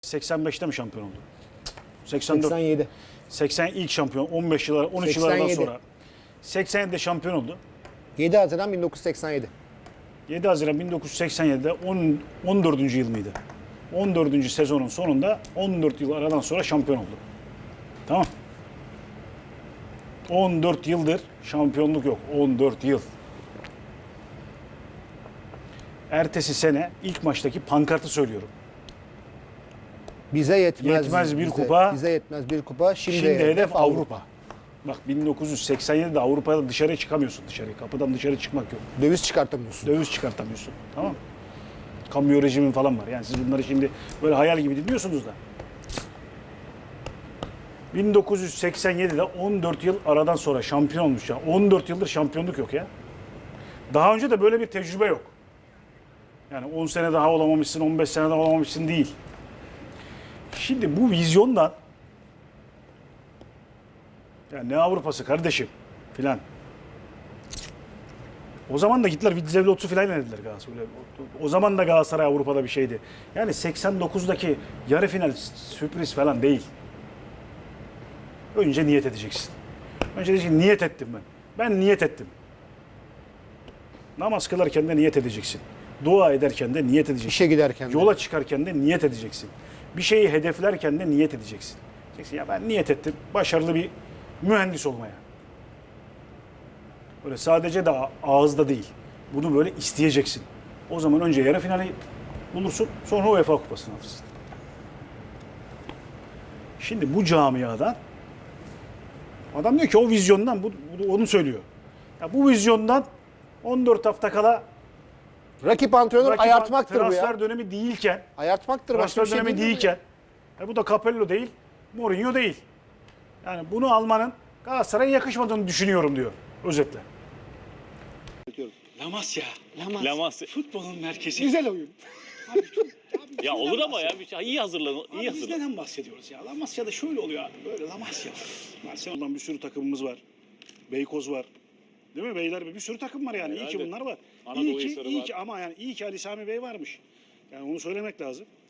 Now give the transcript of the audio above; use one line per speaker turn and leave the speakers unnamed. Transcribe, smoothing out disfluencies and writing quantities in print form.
85'te mi şampiyon oldu? 84.
87.
80 ilk şampiyon. 15 yıl, 13 yıl aradan
87.
sonra. 87'de şampiyon oldu.
7 Haziran 1987.
7 Haziran 1987'de 14. yıl mıydı? 14. sezonun sonunda 14 yıl aradan sonra şampiyon oldu. Tamam. 14 yıldır şampiyonluk yok. 14 yıl. Ertesi sene ilk maçtaki pankartı söylüyorum.
Bize yetmez.
Yetmez bir kupa.
Bize yetmez bir kupa. Şimdi
Hedef Avrupa. Bak 1987'de Avrupa'da dışarıya çıkamıyorsun dışarı. Kapıdan dışarı çıkmak yok.
Döviz çıkartamıyorsun.
Döviz çıkartamıyorsun. Tamam mı? Kamyo rejimin falan var. Yani siz bunları şimdi böyle hayal gibi dinliyorsunuz da. 1987'de 14 yıl aradan sonra şampiyon olmuş ya. 14 yıldır şampiyonluk yok ya. Daha önce de böyle bir tecrübe yok. Yani 10 sene daha olamamışsın, 15 sene daha olamamışsın değil. Şimdi bu vizyondan ya ne Avrupa'sı kardeşim filan. O zaman da gittiler Vidzev Lotsu filan dediler Galatasaray. O zaman da Galatasaray Avrupa'da bir şeydi. Yani 89'daki yarı final sürpriz falan değil. Önce niyet edeceksin. Önce diyeceksin niyet ettim ben. Ben niyet ettim. Namaz kılarken de niyet edeceksin. Dua ederken de niyet edeceksin.
İşe giderken de.
Yola çıkarken de niyet edeceksin. Bir şeyi hedeflerken de niyet edeceksin. Diyeceksin ya ben niyet ettim başarılı bir mühendis olmaya. Böyle sadece de ağızda değil. Bunu böyle isteyeceksin. O zaman önce yarı finali bulursun, sonra UEFA Kupası'nı alırsın. Şimdi bu camiadan adam diyor ki o vizyondan, bu onu söylüyor. Ya bu vizyondan 14 hafta kala
Rakip antrenör ayartmaktır bu
transfer
ya.
dönemi değilken,
Ayartmaktır. Başka
transfer
bir şey
dönemi
değil mi
değilken, bu da Capello değil, Mourinho değil. Yani bunu almanın Galatasaray'a yakışmadığını düşünüyorum diyor özetle.
Lamasya.
Lamasya.
Futbolun merkezi.
Güzel oyun.
Ya olur ama ya bir şey iyi hazırlan. İyi
Biz
hazırlan.
neden bahsediyoruz ya? Lamasya'da şöyle oluyor abi. Böyle Lamasya.
Barcelona'dan bir sürü takımımız var. Beykoz var. Değil mi beyler? Bir sürü takım var yani. İyi ki
Herhalde.
bunlar var.
Anadolu
İyi
Hisarı
ki
var.
ama yani iyi ki Ali Sami Bey varmış. Yani onu söylemek lazım.